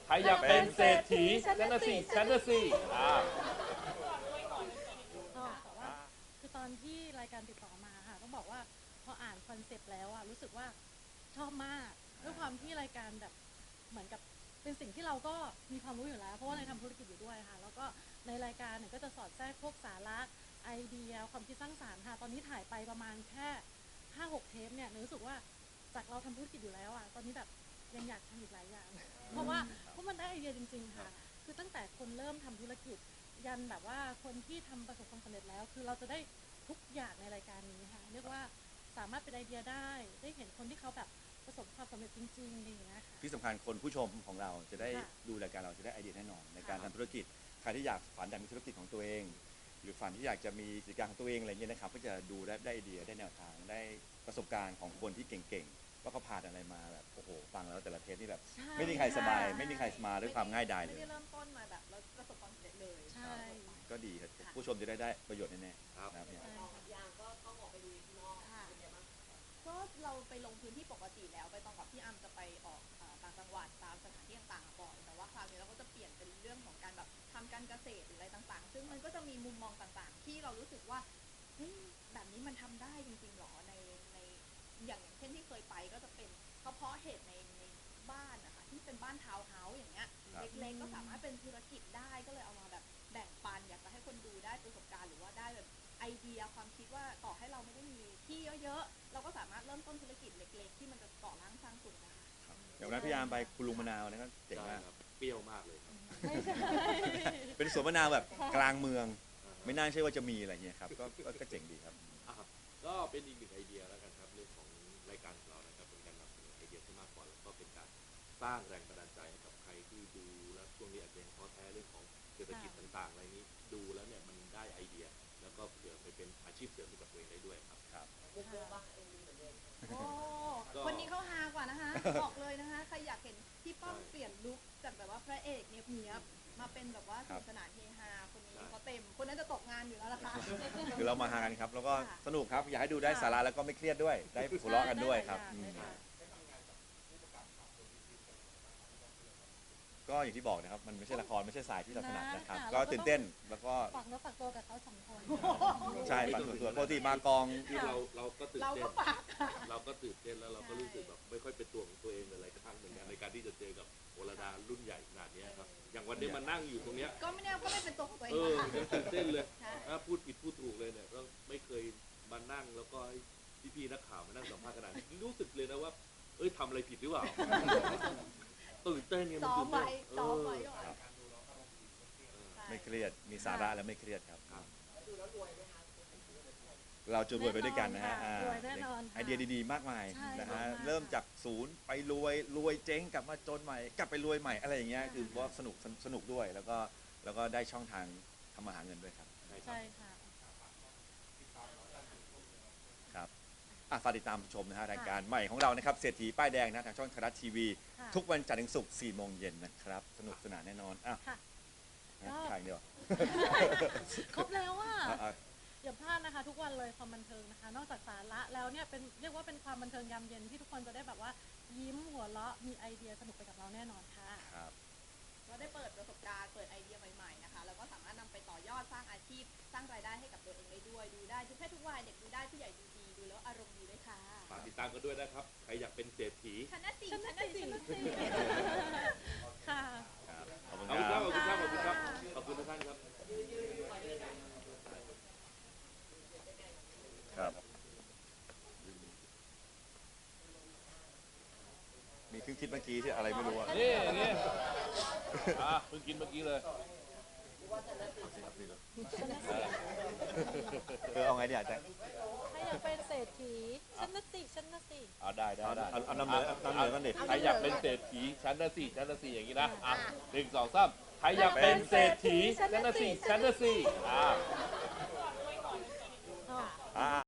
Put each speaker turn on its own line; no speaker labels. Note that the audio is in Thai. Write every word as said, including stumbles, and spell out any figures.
ใครอยากเป็นเศรษฐีฉันน่ะสิฉันน่ะสิอ่า
แต่ว่าคือตอนที่รายการติดต่อมาค่ะต้องบอกว่าพออ่านคอนเซปต์แล้วอะรู้สึกว่าชอบมากด้วยความที่รายการแบบเหมือนกับเป็นสิ่งที่เราก็มีความรู้อยู่แล้วเพราะว่าในทำธุรกิจอยู่ด้วยค่ะแล้วก็ในรายการเนี่ยก็จะสอดแทรกพวกสาระไอเดียความคิดสร้างสรรค์ค่ะตอนนี้ถ่ายไปประมาณแค่ห้าหกเทปเนี่ยรู้สึกว่าจากเราทำธุรกิจอยู่แล้วอะตอนนี้แบบยังอยากทำอีกหลายอย่างเพราะว่าเพราะมันได้ไอเดียจริงๆค่ะคือตั้งแต่คนเริ่มทำธุรกิจยันแบบว่าคนที่ทำประสบความสำเร็จแล้วคือเราจะได้ทุกอย่างในรายการนี้ค่ะเรียกว่าสามารถเป็นไอเดียได้ได้เห็นคนที่เขาแบบประสบความสำเร็จจริงๆอย่างเงี้ยค่ะ
ที่สำคัญคนผู้ชมของเราจะได้ดูรายการเราจะได้ไอเดียแน่นอนในการทำธุรกิจใครที่อยากฝันอยากมีธุรกิจของตัวเองหรือฝันที่อยากจะมีกิจการของตัวเองอะไรเงี้ยนะครับก็จะดูได้ได้ไอเดียได้แนวทางได้ประสบการณ์ของคนที่เก่งๆว่าเขาผ่านอะไรมาแบบโอ้โหฟังแล้วแต่ละเทปนี่แบบไม่มีใครสบายไม่มีใครมาด้วยความง่ายดายเลย
ไม่ได้เริ่มต้นมาแบบเราประสบความสำเร็จเลย
ใช่
ก็ดีครับผู้ชมจะได้ได้ประโยชน์แน่ๆครับเนี่ย
ยางก็ต้องออกไปดูข้างนอกเป็นไงบ้างก็เราไปลงพื้นที่ปกติแล้วไปตองกับพี่อัมจะไปออกต่างจังหวัดตามสถานที่ต่างๆบ่อยแต่ว่าคราวนี้เราก็จะเปลี่ยนเป็นเรื่องของการแบบทำการเกษตรหรืออะไรต่างๆซึ่งมันก็จะมีมุมมองต่างๆที่เรารู้สึกว่าเฮ้ยแบบนี้มันทำได้จริงๆหรอในในอย่างอย่างเช่นที่เคยไปก็จะเป็นเฉพาะเหตุในในบ้านนะคะที่เป็นบ้านทาวน์เฮาส์อย่างเงี้ยเล็กๆก็สามารถเป็นธุรกิจได้ก็เลยเอามาแบบแบ่งปันอยากจะให้คนดูได้ประสบการณ์หรือว่าได้แบบไอเดียความคิดว่าต่อให้เราไม่ได้มีที่เยอะๆเราก็สามารถเริ่มต้นธุรกิจเล็กๆที่มันจะก่อร่างสร้างสุขได้
อย่างนั้นพี่ยามไปคุณลุงมะนาวนะครับเจ๋งมาก
เปรี้ยวมากเลยครับ
ไม่ใช่
เป็นสวนมะนาวแบบกลางเมืองไม่น่าเชื่อว่าจะมีอะไรเงี้ยครับก็ก็เจ๋งดีครับ
ก็เป็นอีกหนึ่งไอเดียแล้วกันครับเรื่องของรายการของเรานะครับเป็นการนำเสนอไอเดียที่มากกว่าแล้วก็เป็นการสร้างแรงบันดาลใจให้กับใครที่ดูแล้วช่วงนี้อาจจะยังท้อแท้เรื่องของเศรษฐกิจต่างๆอะไรนี้ดูแล้วเนี่ยมันได้ไอเดียแล้วก็เผื่อไปเป็นอาชีพเสริมให้กับตัวเองได้ด้วยครับ
ครับ
มุกโบบ้างเอ็มวีเหมือนเดิมโอ้คนนี้เขาฮากว่านะคะบอกเลยนะคะใครอยากเห็นพี่ป้อมเปลี่ยนลุคจากแบบว่าพระเอกเนี้ยบๆมาเป็นแบบว่าสนุกสนานเฮฮาคนนี้เขาเต็มคนนั้นจะตกงานอยู่แล้วล่ะค่ะ
คือเรามาหากันครับแล้วก็สนุกครับอยากให้ดูได้สาระแล้วก็ไม่เครียดด้วยได้หัวเราะกันด้วยครับก็อย่างที่บอกนะครับมันไม่ใช่ละครไม่ใช่สายที่เราถนัดนะครับก็ตื่นเต้นแล้วก็
ฝากเนื้อฝากตัวกับเขาสองคน
ใช่ฝากตัวปกติมากอง
เราเราก็ตื่นเต้น
เราก็ฝาก
เราก็ตื่นเต้นแล้วเราก็รู้สึกแบบไม่ค่อยเป็นตัวของตัวเองอะไรกระทั่งเหมือนกันในการที่จะเจอกับโอรดารุ่นใหญ่ขนาดนี้ครับอย่างวันนี้มานั่งอยู่ตรงเนี้ย
ก็ไม่แน่ก็ไม่เป็นตัวของตัวเอ
งเออตื่นเต้นเลย
ถ้า
พูดผิดพูดถูกเลยเนี่ยก็ไม่เคยมานั่งแล้วก็พี่ๆนักข่าวมานั่งสัมภาษณ์ขนาดนี้รู้สึกเลยนะว่าเอ้ยทำอะไรผิดหรือเปล่าตื่นเต้นเนี่ยมันตื่นเต้น
ซ้อมไว้
ไม่เครียดมีสาระและไม่เครียดครับเราจะรวยไปด้วยกันนะฮะไอเดียดีๆมากมายนะฮะเริ่มจากศูนย์ไปรวยรวยเจ๊งกลับมาจนใหม่กลับไปรวยใหม่อะไรอย่างเงี้ยคือว่าสนุกสนุกด้วยแล้วก็แล้วก็ได้ช่องทางทำมาหาเงินด้วยครับ
ใช่ค่ะ
ครับฝากติดตามชมนะฮะรายการใหม่ของเรานะครับเศรษฐีป้ายแดงนะทางช่องไทยรัฐทีวีทุกวันจันทร์ถึงศุกร์สี่โมงเย็นนะครับสนุกสนานแน่นอนอ่ะถ่ายเดียว
ครบแล้วอ่ะอย่าพลาดนะคะทุกวันเลยความบันเทิงนะคะนอกจากสาระแล้วเนี่ยเป็นเรียกว่าเป็นความบันเทิงยามเย็นที่ทุกคนจะได้แบบว่ายิ้มหัวเราะมีไอเดียสนุกไปกับเราแน่นอนค่ะ
ครับ
ก็ได้เปิดประสบการณ์เปิดไอเดียใหม่ๆนะคะแล้วก็สามารถนำไปต่อยอดสร้างอาชีพสร้างรายได้ให้กับตัวเองได้ด้วยดูได้ทุกเพศทุกวัยเด็กดูได้ผู้ใหญ่ดูดีดูแล้วอารมณ์ดีด้วยค่ะ
ฝากติดตามกันด้วยนะครับใครอยากเป็นเศรษฐี
ชนะสี่ชนะสี่
ค่ะ
ขอบคุณ
ครับขอบคุณครับขอบคุณครับขอบคุณทุกท่านครับ
ครับมีเพิ่งคิดเมื่อกี้ที่อะไรไม่รู้อ่ะ
นี่นี่อ่ะเพิ่งกินเมื่อกี้เลย
เออเอาไงดีอ่ะแจ็ค
ใครอยากเป็นเศรษฐีฉันน่ะสิฉันน่ะสิ
เอาได้ได้ได้
เอานำเหนือเอานำเหนือกันดิ
ใครอยากเป็นเศรษฐีฉันน่ะสิฉันน่ะสิอย่างนี้นะอ่ะหนึ่งสองสามใครอยากเป็นเศรษฐีฉันน่ะสิฉันน่ะสิอ่ะ